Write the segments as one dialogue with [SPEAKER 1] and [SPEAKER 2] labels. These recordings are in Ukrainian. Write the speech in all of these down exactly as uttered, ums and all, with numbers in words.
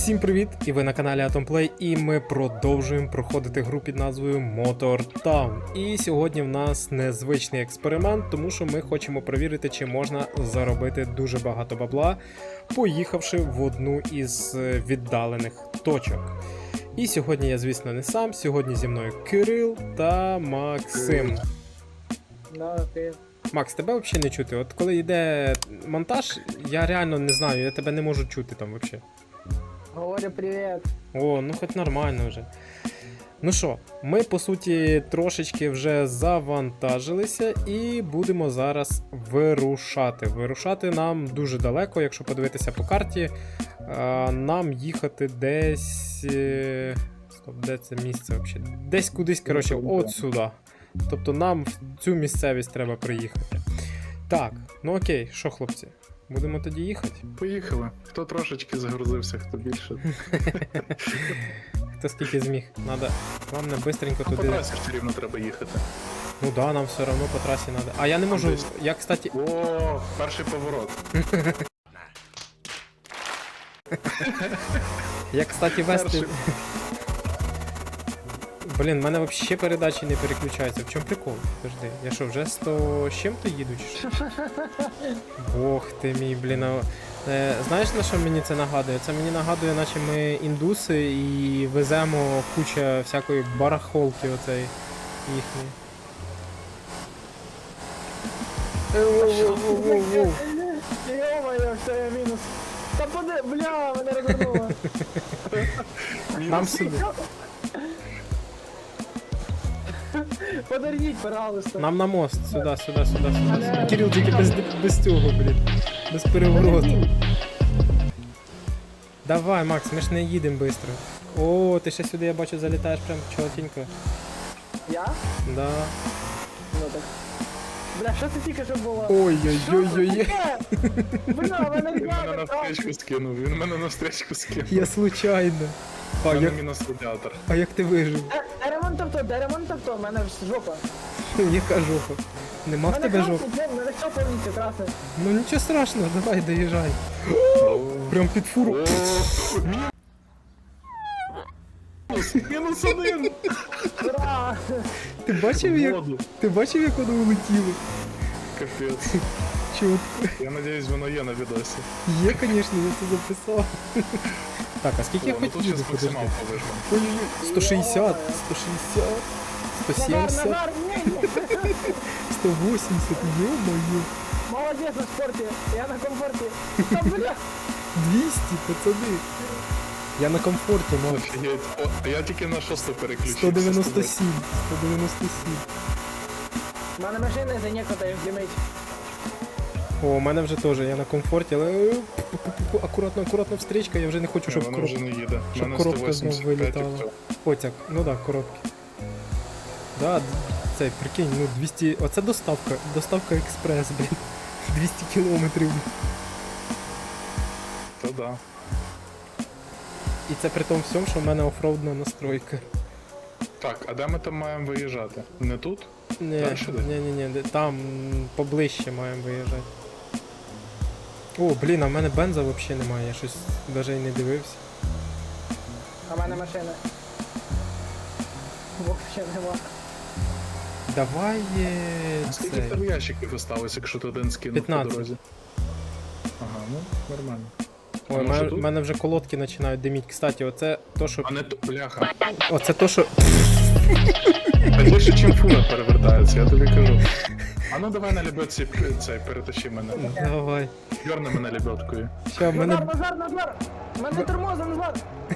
[SPEAKER 1] Всім привіт! І ви на каналі Atomplay, і ми продовжуємо проходити гру під назвою Motor Town. І сьогодні в нас незвичний експеримент, тому що ми хочемо перевірити, чи можна заробити дуже багато бабла, поїхавши в одну із віддалених точок. І сьогодні я, звісно, не сам, сьогодні зі мною Кирил та Максим.
[SPEAKER 2] Да, ти.
[SPEAKER 1] Макс, тебе взагалі не чути. От коли йде монтаж, я реально не знаю, я тебе не можу чути там взагалі.
[SPEAKER 2] Говорю привіт.
[SPEAKER 1] О, ну хоч нормально вже. Ну що, ми по суті трошечки вже завантажилися і будемо зараз вирушати. Вирушати нам дуже далеко, якщо подивитися по карті. А, нам їхати десь. е, Стоп, де це місце взагалі? Десь кудись, коротше, от сюди. Тобто нам в цю місцевість треба приїхати. Так, ну окей, що, хлопці? Будемо тоді їхати?
[SPEAKER 3] Поїхали. Хто трошечки загрузився, хто більше.
[SPEAKER 1] Хто скільки зміг. Надо, вам не бистренько
[SPEAKER 3] По
[SPEAKER 1] туди.
[SPEAKER 3] трасі все рівно треба їхати.
[SPEAKER 1] Ну да, нам все одно по трасі треба. А я не можу.
[SPEAKER 3] десь.
[SPEAKER 1] Я, кстати.
[SPEAKER 3] О, перший поворот.
[SPEAKER 1] Я, кстати, вести.
[SPEAKER 3] Перший.
[SPEAKER 1] Блін, в мене взагалі передачі не переключаються. В чому прикол? Подожди, я що, вже сто з чим-то їду чи що? Бог ти мій, блін. а- Е, знаєш, на що мені це нагадує? Це мені нагадує, наче ми індуси і веземо куча всякої барахолки оцей їхньої. Воу-воу-воу-воу-воу.
[SPEAKER 2] Йо-моє, все, я мінус. Та поди, бля, мене розвернуло.
[SPEAKER 1] Нам сюди.
[SPEAKER 2] Подорніть, пожалуйста.
[SPEAKER 1] Нам на мост, сюди, сюди, сюди, сюди.
[SPEAKER 2] Але-
[SPEAKER 1] Кирил, тільки без, без цього, блін. Без перевороту. Давай, Макс, ми ж не їдемо швидко. О, ти ще сюди, я бачу, залітаєш прям чотенько.
[SPEAKER 2] Я?
[SPEAKER 1] Да.
[SPEAKER 2] Ну так. Бля, що це тільки що було?
[SPEAKER 1] Ой-ой-ой-ой-ой.
[SPEAKER 2] Бля, мене
[SPEAKER 3] Він мене на
[SPEAKER 2] ребята,
[SPEAKER 3] встречку скинув, він мене на встречку скинув.
[SPEAKER 1] Я случайно. А
[SPEAKER 3] У мене
[SPEAKER 1] як,
[SPEAKER 3] мінус радіатор.
[SPEAKER 1] а як ти вижив?
[SPEAKER 2] Де ремонт авто, де ремонт авто, в мене ж жопа.
[SPEAKER 1] Яка жопа? Нема в
[SPEAKER 2] Мене
[SPEAKER 1] тебе
[SPEAKER 2] красить,
[SPEAKER 1] жопа?
[SPEAKER 2] блін, мене все повністю красить.
[SPEAKER 1] Ну нічого страшного, давай, доїжджай.
[SPEAKER 3] О,
[SPEAKER 1] Прям під фуру.
[SPEAKER 3] О, мінус, мінус один.
[SPEAKER 2] Ура!
[SPEAKER 1] Ти бачив, як,
[SPEAKER 3] Воду.
[SPEAKER 1] ти бачив, як воно улетіло?
[SPEAKER 3] Капець.
[SPEAKER 1] Чітко.
[SPEAKER 3] Я надіюсь, воно є на відосі.
[SPEAKER 1] Є, звісно, я це записав. Так, а скільки я
[SPEAKER 3] О, ну
[SPEAKER 1] хоч
[SPEAKER 3] тут
[SPEAKER 1] їду,
[SPEAKER 3] щас
[SPEAKER 1] подожди?
[SPEAKER 3] максималку вижмемо.
[SPEAKER 1] Ой-ой-ой, сто шістдесят, сто шістдесят, сто
[SPEAKER 2] Назар,
[SPEAKER 1] сімдесят,
[SPEAKER 2] Назар, ні, ні.
[SPEAKER 1] сто вісімдесят, ё-моё,
[SPEAKER 2] Молодець на спорті, я на комфорті. Та бля,
[SPEAKER 1] двісті, пацани. Я на комфорті, мав.
[SPEAKER 3] Офігеть. О, а я тільки на шосту переключився.
[SPEAKER 1] сто дев'яносто сім, сто дев'яносто сім.
[SPEAKER 2] в мене машина за некоторих димить.
[SPEAKER 1] О, у мене вже теж, я на комфорті, але е, пу-пу-пу-пу, акуратно, акуратно встрічка, я вже не хочу, щоб
[SPEAKER 3] Воно
[SPEAKER 1] коробка.
[SPEAKER 3] вже не їде. У
[SPEAKER 1] щоб
[SPEAKER 3] мене
[SPEAKER 1] коробка
[SPEAKER 3] сто вісімдесят
[SPEAKER 1] знов
[SPEAKER 3] п'ять і
[SPEAKER 1] вилітала.
[SPEAKER 3] все.
[SPEAKER 1] Потяг, ну да, коробки. Да, д- цей, прикинь, ну двісті, оце доставка, доставка експрес, блін. двісті кілометрів.
[SPEAKER 3] Та да.
[SPEAKER 1] І це при тому всьому, що в мене офроудна настройка.
[SPEAKER 3] Так, а де ми там маємо виїжджати? Не тут?
[SPEAKER 1] Ні,
[SPEAKER 3] Дальше де?
[SPEAKER 1] ні, ні, ні, де- там м, поближче маємо виїжджати. О, блін, а в мене бенза взагалі немає, я щось навіть і не дивився.
[SPEAKER 2] А в мене машина. Вообще нема.
[SPEAKER 1] Давай є
[SPEAKER 3] Скільки в
[SPEAKER 1] цей.
[SPEAKER 3] тебе ящиків осталось, якщо ти один скинув по
[SPEAKER 1] п'ятнадцять.
[SPEAKER 3] дорозі? Ага, ну нормально.
[SPEAKER 1] Ой,
[SPEAKER 3] А
[SPEAKER 1] в
[SPEAKER 3] може
[SPEAKER 1] мене,
[SPEAKER 3] тут?
[SPEAKER 1] в мене вже колодки починають диміть. Кстати, оце то, що.
[SPEAKER 3] А не то, бляха.
[SPEAKER 1] Оце то, що.
[SPEAKER 3] А більше, чим фура перевертається, я тобі кажу. А ну давай на лебедці цей, перетащи мене.
[SPEAKER 1] Давай.
[SPEAKER 3] Дьорни мене лебедкою.
[SPEAKER 1] Що, в мене.
[SPEAKER 2] Назар, Назар, Назар! В Мене тормоза, Назар!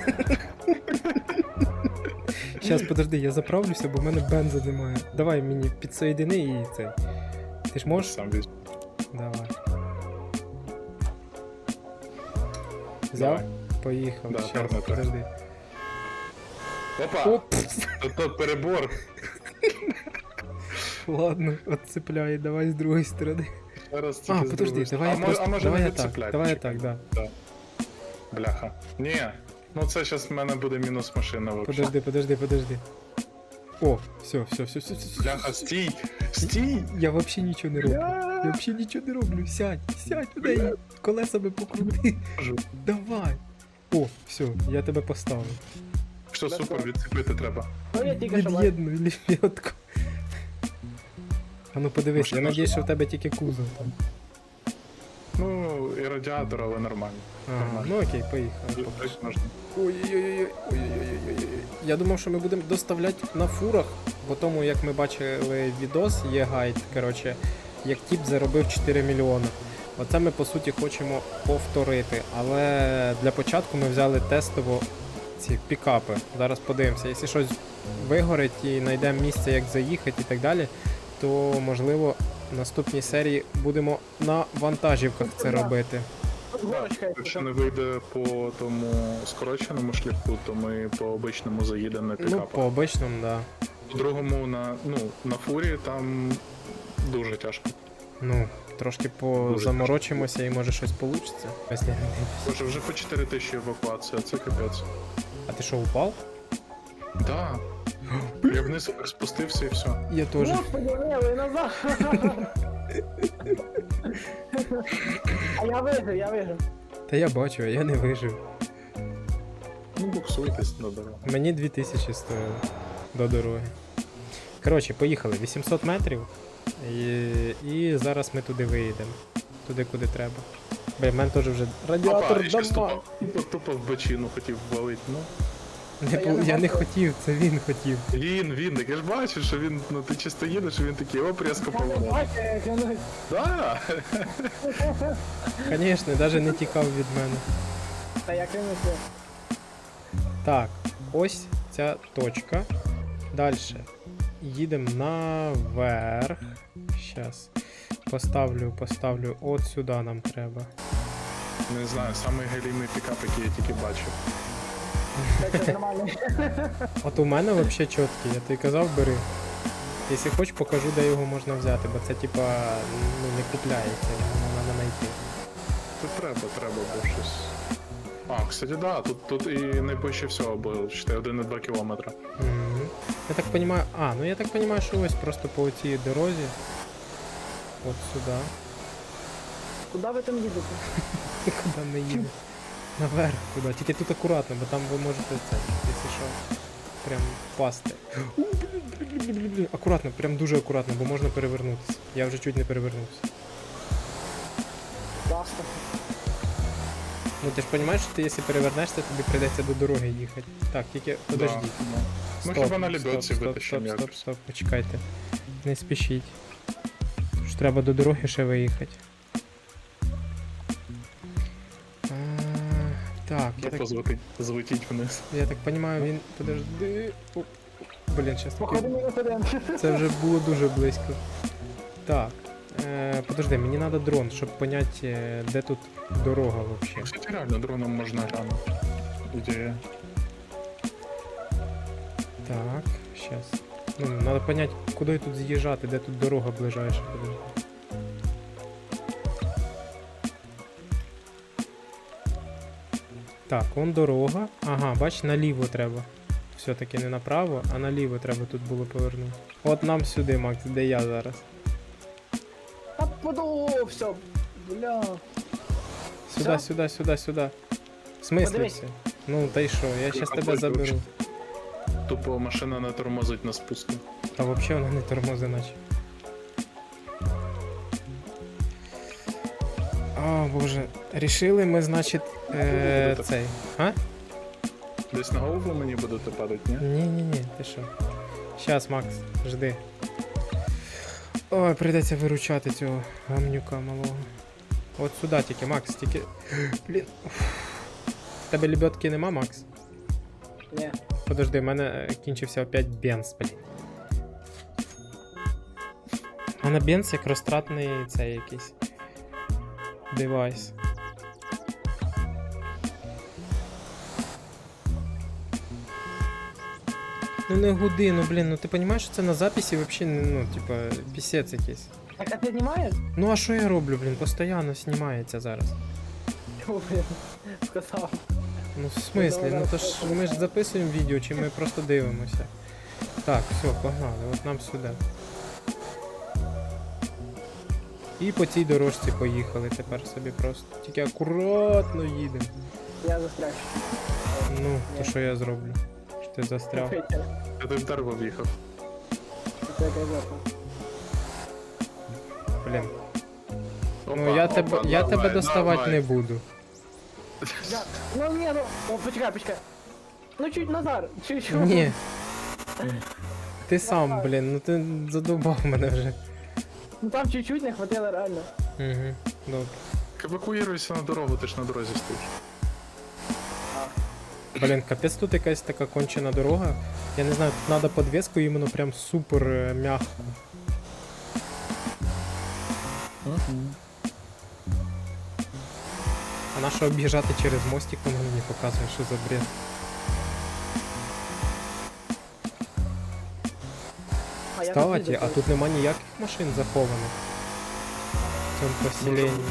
[SPEAKER 1] Щас, подожди, я заправлюся, бо в мене бенза немає. Давай мені підсоєдини і цей. Ти ж можеш?
[SPEAKER 3] Сам візьму.
[SPEAKER 1] Давай. Взяв?
[SPEAKER 3] Давай.
[SPEAKER 1] Поїхав.
[SPEAKER 3] Да,
[SPEAKER 1] Щас,
[SPEAKER 3] гарно,
[SPEAKER 1] подожди.
[SPEAKER 3] Опа!
[SPEAKER 1] Оп!
[SPEAKER 3] Тут, тут перебор.
[SPEAKER 1] Ладно, отцепляй, давай з другої сторони.
[SPEAKER 3] Зараз
[SPEAKER 1] А,
[SPEAKER 3] тільки з
[SPEAKER 1] подожди,
[SPEAKER 3] другої
[SPEAKER 1] давай
[SPEAKER 3] сторони.
[SPEAKER 1] я
[SPEAKER 3] а, мо-
[SPEAKER 1] просто.
[SPEAKER 3] а може
[SPEAKER 1] Давай
[SPEAKER 3] не
[SPEAKER 1] я так,
[SPEAKER 3] відцепляти?
[SPEAKER 1] давай я
[SPEAKER 3] Чекай.
[SPEAKER 1] так, да.
[SPEAKER 3] Бляха. Ні. Ну це зараз в мене буде мінус машина взагалі.
[SPEAKER 1] Подожди, подожди, подожди. О, все, все, все, все, все.
[SPEAKER 3] Бляха, стій! Стій!
[SPEAKER 1] Я вообще нічого не роблю. Я вообще нічого не роблю. Сядь, сядь туди і колесами покрути.
[SPEAKER 3] Можу.
[SPEAKER 1] Давай. О, все, я тебе поставив.
[SPEAKER 3] Що супер, відцепити треба.
[SPEAKER 2] Ну я тільки що бачу.
[SPEAKER 1] Від'єднуй лебедку. А ну подивись, я
[SPEAKER 3] Машина
[SPEAKER 1] надіюсь,
[SPEAKER 3] ж-
[SPEAKER 1] що в тебе тільки кузов там.
[SPEAKER 3] Ну, і радіатор, але нормально.
[SPEAKER 1] Ага,
[SPEAKER 3] Нормально.
[SPEAKER 1] ну окей, поїхали.
[SPEAKER 3] Їздити можна.
[SPEAKER 1] Ой-ой-ой, ой-ой-ой. Я думав, що ми будемо доставляти на фурах, по тому як ми бачили відос, є гайд, коротше, як тіп заробив чотири мільйони. Оце ми по суті хочемо повторити, але для початку ми взяли тестово ці пікапи. Зараз подивимося, якщо щось вигорить і знайдемо місце, як заїхати і так далі, то можливо в наступній серії будемо на вантажівках це робити.
[SPEAKER 2] Тут горочка,
[SPEAKER 3] Якщо не вийде по тому скороченому шляху, то ми по обичному заїдемо на
[SPEAKER 1] Ну,
[SPEAKER 3] пікапах.
[SPEAKER 1] по обичному, да.
[SPEAKER 3] По другому на, ну, на фурі там дуже тяжко.
[SPEAKER 1] Ну, трошки позаморочимося і може щось вийде. Якщо не дивлюсь.
[SPEAKER 3] Боже, вже по чотири тисячі евакуація, це капець.
[SPEAKER 1] А ти що, упав?
[SPEAKER 3] Да. Я вниз спустився і все.
[SPEAKER 1] Я теж.
[SPEAKER 2] Господи, левий назад. А я вижив, я вижив.
[SPEAKER 1] Та я бачу, а я не вижив.
[SPEAKER 3] Ну, буксуйтесь на дорогу.
[SPEAKER 1] Мені дві тисячі стоїло до дороги. Коротше, поїхали. вісімсот метрів. І, і зараз ми туди виїдемо. Туди, куди треба. Бля, в мене теж вже радіатор
[SPEAKER 3] Опа, я щас
[SPEAKER 1] дома.
[SPEAKER 3] тупо, тупо, тупо в бочину хотів ввалити. Ну,
[SPEAKER 1] Не,
[SPEAKER 2] Та
[SPEAKER 1] пол-
[SPEAKER 2] я не
[SPEAKER 1] я не
[SPEAKER 2] бачу.
[SPEAKER 1] хотів, це він хотів.
[SPEAKER 3] він, він, так я ж бачу, що він, ну ти чисто їдеш, і він такий, оп, різко
[SPEAKER 2] Я не
[SPEAKER 3] поворот.
[SPEAKER 2] бачу, як він...
[SPEAKER 3] Да.
[SPEAKER 1] Звісно, навіть не тікав від мене.
[SPEAKER 2] Та як він усе.
[SPEAKER 1] Так, ось ця точка. Далі. Їдемо наверх. Щас. Поставлю, поставлю. От сюди нам треба.
[SPEAKER 3] Не знаю, самий галімий пікап, який я тільки бачив.
[SPEAKER 2] Так, це нормально.
[SPEAKER 1] От у мене взагалі чіткий, я тобі казав, бери. Якщо хочеш, покажу, де його можна взяти, бо це типа ну, не купляється, його треба знайти.
[SPEAKER 3] Тут треба, треба було щось. А, кстати, да, тут, тут і найближче всього було, читай, один і два кілометра.
[SPEAKER 1] Мгм. Я так понимаю. А, ну я так понимаю, що ось просто по цій дорозі. От сюди.
[SPEAKER 2] Куди ви там їдете?
[SPEAKER 1] Куди ми їдемо? Наверх туди. Тільки тут акуратно, бо там ви можете це, якщо що, прям впасти. Акуратно, прям дуже акуратно, бо можна перевернутися. Я вже чуть не перевернувся.
[SPEAKER 2] Баста.
[SPEAKER 1] Ну ти ж розумієш, що ти якщо перевернешся, тобі прийдеться до дороги їхати. Так, тільки подожди.
[SPEAKER 3] Да, да. Ну хіба на лебедці
[SPEAKER 1] стоп, стоп,
[SPEAKER 3] витащимо
[SPEAKER 1] стоп, стоп,
[SPEAKER 3] якось.
[SPEAKER 1] стоп, почекайте. Не спішіть. Ж треба до дороги ще виїхати. А, так, я так,
[SPEAKER 3] Тупо злетить, злетіть вниз.
[SPEAKER 1] я так розумію, він. Подожди. О, блін, щас
[SPEAKER 2] Походу
[SPEAKER 1] таки.
[SPEAKER 2] мінус один.
[SPEAKER 1] Це вже було дуже близько. Так. Е, подожди, мені треба дрон, щоб поняти, е, де тут дорога взагалі.
[SPEAKER 3] Кстати, реально, дроном можна глянути. Ідея.
[SPEAKER 1] Так, сейчас. Ну, надо понять, куди тут з'їжджати, де тут дорога ближайша. Подожди. Так, вон дорога. Ага, бач, наліво треба. Все-таки не направо, а наліво треба тут було повернути. От нам сюди, Макс, де я зараз.
[SPEAKER 2] Та подувся. Бля.
[SPEAKER 1] Сюди,
[SPEAKER 2] Всё?
[SPEAKER 1] сюди, сюди, сюди. В смислі
[SPEAKER 2] Подивись.
[SPEAKER 1] все? Ну, та й що, я зараз тебе
[SPEAKER 3] Контроль
[SPEAKER 1] заберу.
[SPEAKER 3] вивчити. Тупо машина не тормозить на спуску.
[SPEAKER 1] Та взагалі вона не тормозить наче. О, боже. Рішили ми, значить, е, цей. А?
[SPEAKER 3] Десь на голову мені будете падати, ні?
[SPEAKER 1] Ні-ні-ні, ти що? Щас, Макс, жди. Ой, прийдеться виручати цього гамнюка малого. От сюди тільки, Макс, тільки. Блін. В тебе лебедки нема, Макс?
[SPEAKER 2] Ні.
[SPEAKER 1] Подожди, в мене е, кінчився опять бенз, блін. У мене бенз як розтратний цей якийсь девайс. Ну не гуди, ну блін, ну ти розумієш, що це на записі взагалі, ну, типа, пісець якийсь.
[SPEAKER 2] Так, а ти знімаєш?
[SPEAKER 1] Ну а що я роблю, блін, постійно знімається зараз.
[SPEAKER 2] Чого, блін? Сказав.
[SPEAKER 1] Ну в смислі, ну то ж ми ж записуємо відео, чи ми просто дивимося. Так, все, погнали, от нам сюди. І по цій дорожці поїхали тепер собі просто. Тільки акуратно їдемо.
[SPEAKER 2] Я застряг.
[SPEAKER 1] Ну, то що я зроблю? Що ти застряв?
[SPEAKER 2] Це
[SPEAKER 3] Я ти в дерево в'їхав.
[SPEAKER 2] якась жопа.
[SPEAKER 1] Блін.
[SPEAKER 3] Опа,
[SPEAKER 1] Ну я
[SPEAKER 3] опа,
[SPEAKER 1] тебе, я
[SPEAKER 3] давай,
[SPEAKER 1] тебе доставати
[SPEAKER 3] давай.
[SPEAKER 1] не буду.
[SPEAKER 2] Я... Ну ні, ну. О, почекай, почекай. Ну чуть Назар, чуть-чуть.
[SPEAKER 1] Ні. Ти сам, блін, ну ти задовбав мене вже.
[SPEAKER 2] Ну там чуть-чуть не хватило реально.
[SPEAKER 1] Угу, добре.
[SPEAKER 3] Евакуюйся на дорогу, ти ж на дорозі стоїш.
[SPEAKER 1] Блін, капець тут якась така кончена дорога. Я не знаю, тут треба подвеску іменно прям супер е, м'яко. А на що об'їжджати через мостик, воно мені показує, що за бред.
[SPEAKER 2] А я
[SPEAKER 1] Кстати,
[SPEAKER 2] тут
[SPEAKER 1] а тут нема ніяких машин захованих. В цьому поселенні.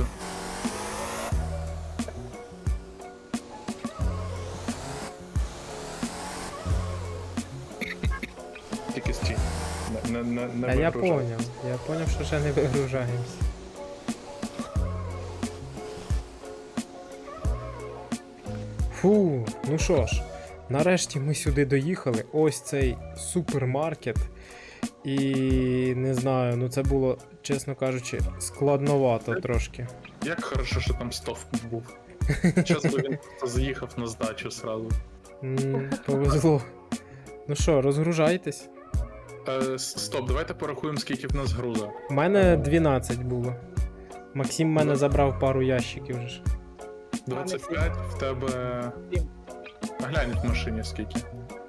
[SPEAKER 3] Тільки стій. Не, не, не, не
[SPEAKER 1] А я
[SPEAKER 3] вигружай.
[SPEAKER 1] поняв, я поняв, що ще не вигружаємось. Фу, ну що ж, нарешті ми сюди доїхали. Ось цей супермаркет. І не знаю, ну це було, чесно кажучи, складновато трошки.
[SPEAKER 3] Як хорошо, що там стовп був. Час би він просто заїхав на здачу сразу.
[SPEAKER 1] М, Повезло. Ну що, розгружайтесь.
[SPEAKER 3] Е, с- стоп, давайте порахуємо, скільки в нас груза.
[SPEAKER 1] У мене дванадцять було. Максим в мене забрав пару ящиків вже ж.
[SPEAKER 3] двадцять п'ять, в тебе.
[SPEAKER 2] Сім.
[SPEAKER 3] А глянь в машині скільки.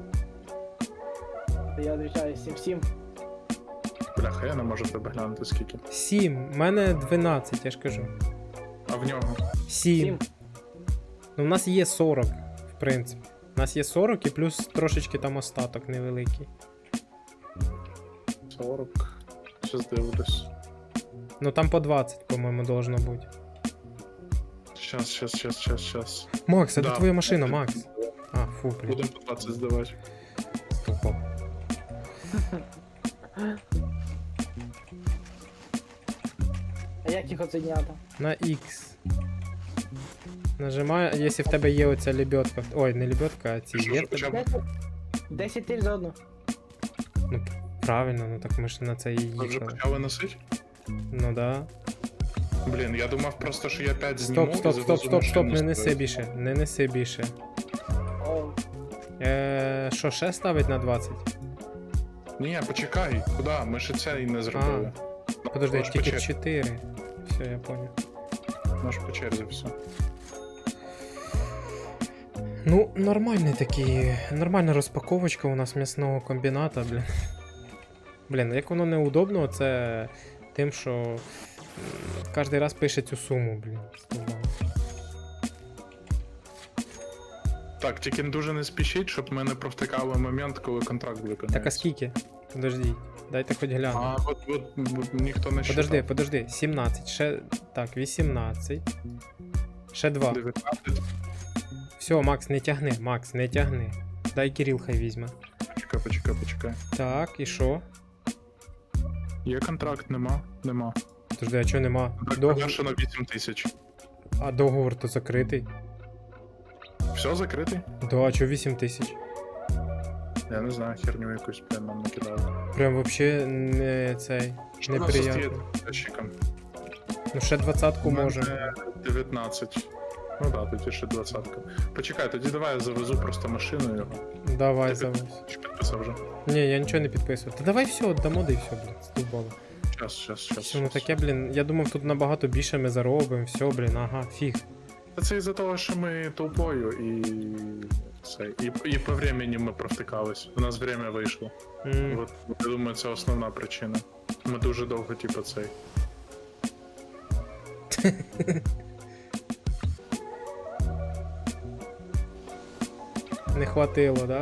[SPEAKER 2] Я відвічаю сім-сім.
[SPEAKER 3] Бляха, я не можу в тебе глянути скільки.
[SPEAKER 1] сім, в мене дванадцять, я ж кажу.
[SPEAKER 3] А в нього?
[SPEAKER 1] сім.
[SPEAKER 2] Сім.
[SPEAKER 1] Ну, в нас є сорок, в принципі. У нас є сорок і плюс трошечки там остаток невеликий.
[SPEAKER 3] сорок. Щас дивлюсь.
[SPEAKER 1] Ну там по двадцять, по-моєму, должно бути.
[SPEAKER 3] Щас, щас, щас, щас, щас.
[SPEAKER 1] Макс, це
[SPEAKER 3] Да.
[SPEAKER 1] твоя машина, Макс. А, фу, блін.
[SPEAKER 3] Будемо по двадцять здавати.
[SPEAKER 1] Стопо.
[SPEAKER 2] А як їх оцінята?
[SPEAKER 1] На X. Нажимаю, якщо в тебе є оця лебедка. Ой, не лебедка, а ці
[SPEAKER 3] Що,
[SPEAKER 1] є
[SPEAKER 3] що,
[SPEAKER 1] в тебе.
[SPEAKER 3] почав?
[SPEAKER 2] десять тисяч за одну.
[SPEAKER 1] Ну, правильно, ну так ми ж на це і
[SPEAKER 3] Ви вже
[SPEAKER 1] їхали.
[SPEAKER 3] почали носити?
[SPEAKER 1] Ну да.
[SPEAKER 3] Блін, я думав просто, що я п'ять зніму
[SPEAKER 1] Стоп,
[SPEAKER 3] і
[SPEAKER 1] стоп, стоп,
[SPEAKER 3] завезу
[SPEAKER 1] стоп, стоп,
[SPEAKER 3] машину
[SPEAKER 1] не
[SPEAKER 3] з
[SPEAKER 1] неси
[SPEAKER 3] тобою.
[SPEAKER 1] більше, не неси більше.
[SPEAKER 2] О,
[SPEAKER 1] Е, що, ще ставить на двадцять?
[SPEAKER 3] Ні, почекай, куди? Ми ще це і не зробили.
[SPEAKER 1] Подожди,
[SPEAKER 3] Наш
[SPEAKER 1] тільки
[SPEAKER 3] по черзі.
[SPEAKER 1] чотири. Все, я понял.
[SPEAKER 3] Наш по черзі все.
[SPEAKER 1] Ну, нормальний такий, нормальна розпаковочка у нас м'ясного комбіната, блін. Блін, як воно неудобно, це тим, що кожен раз пише цю суму, блін. Стовбало.
[SPEAKER 3] Так, тільки дуже не спішіть, щоб ми не провтикали момент, коли контракт виконається.
[SPEAKER 1] Так, а скільки? Подождіть, дайте хоч гляну.
[SPEAKER 3] А, от, от, от ніхто не
[SPEAKER 1] Подожди,
[SPEAKER 3] считав.
[SPEAKER 1] подожди, сімнадцять, ще, так, вісімнадцять, ще два.
[SPEAKER 3] дев'ятнадцять.
[SPEAKER 1] Все, Макс, не тягни, Макс, не тягни. Дай Кирил хай візьме.
[SPEAKER 3] Почекай, почекай, почекай.
[SPEAKER 1] Так, і що?
[SPEAKER 3] Є контракт, нема? Нема.
[SPEAKER 1] Подожди, а чого нема?
[SPEAKER 3] Так,
[SPEAKER 1] Договор...
[SPEAKER 3] на вісім тисяч.
[SPEAKER 1] А договор то закритий.
[SPEAKER 3] Все закритий?
[SPEAKER 1] Да, а чого вісім тисяч?
[SPEAKER 3] Я не знаю, херню якусь прям нам накидали.
[SPEAKER 1] Прям вообще не цей.
[SPEAKER 3] Що у нас
[SPEAKER 1] Неприятно.
[SPEAKER 3] остає ящиком?
[SPEAKER 1] Ну ще двадцятку
[SPEAKER 3] У мене
[SPEAKER 1] може.
[SPEAKER 3] дев'ятнадцять. Ну так, да, тоді ще двадцятка. Почекай, тоді давай я завезу просто машину його.
[SPEAKER 1] Давай
[SPEAKER 3] Ти
[SPEAKER 1] завез.
[SPEAKER 3] Чи підписав вже?
[SPEAKER 1] Ні, я нічого не підписував. Та давай все, дамо да і все, блін, стовбало.
[SPEAKER 3] Щас, щас, щас.
[SPEAKER 1] Все, ну
[SPEAKER 3] щас.
[SPEAKER 1] таке, блін, я думав, тут набагато більше ми заробимо, все, блін, ага, фіг.
[SPEAKER 3] Та це із-за того, що ми толпою і. Це, і, і по времени ми провтикались. У нас время вийшло.
[SPEAKER 1] М,
[SPEAKER 3] От, я думаю, це основна причина. Ми дуже довго, типу, цей.
[SPEAKER 1] Не хватило, да?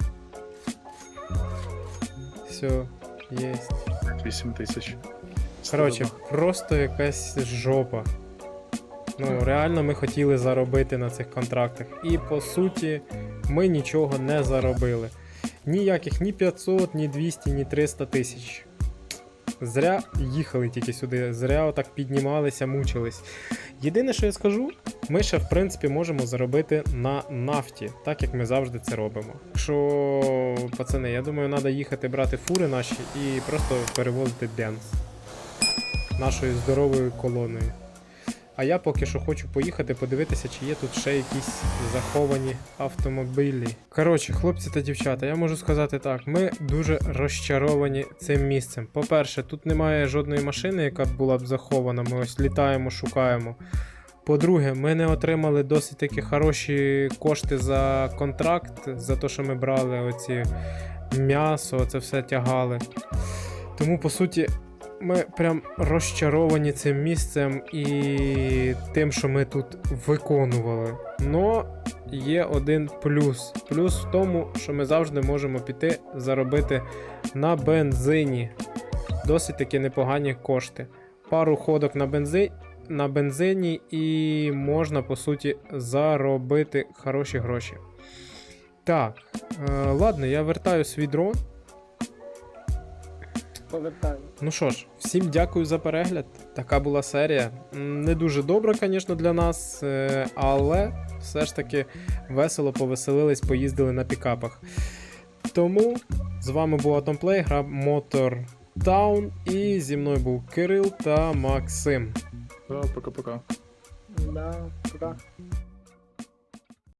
[SPEAKER 1] Все, єсть.
[SPEAKER 3] вісім тисяч.
[SPEAKER 1] Коротше, просто якась жопа. Ну, реально ми хотіли заробити на цих контрактах. І по суті, ми нічого не заробили. Ніяких ні п'ятсот, ні двісті, ні триста тисяч. Зря їхали тільки сюди, зря отак піднімалися, мучились. Єдине, що я скажу, ми ще в принципі можемо заробити на нафті, так як ми завжди це робимо. Якщо, пацани, я думаю, треба їхати брати фури наші і просто перевозити бенз нашою здоровою колоною. А я поки що хочу поїхати подивитися, чи є тут ще якісь заховані автомобілі. Коротше, хлопці та дівчата, я можу сказати так, ми дуже розчаровані цим місцем. По-перше, тут немає жодної машини, яка б була б захована, ми ось літаємо, шукаємо. По-друге, ми не отримали досить таки хороші кошти за контракт, за те, що ми брали оці м'ясо, це все тягали. Тому, по суті, ми прям розчаровані цим місцем і тим, що ми тут виконували. Но є один плюс. Плюс в тому, що ми завжди можемо піти заробити на бензині. Досить таки непогані кошти. Пару ходок на бензині. На бензині і можна, по суті, заробити хороші гроші. Так, е, ладно, я вертаю свій дрон.
[SPEAKER 2] Повертаю.
[SPEAKER 1] Ну що ж, всім дякую за перегляд. Така була серія. М, Не дуже добра, звісно, для нас, е, але все ж таки весело повеселились, поїздили на пікапах. Тому з вами був Atomplay, гра Motor Town, і зі мною був Кирил та Максим.
[SPEAKER 3] Да, пока-пока.
[SPEAKER 2] Да, пока.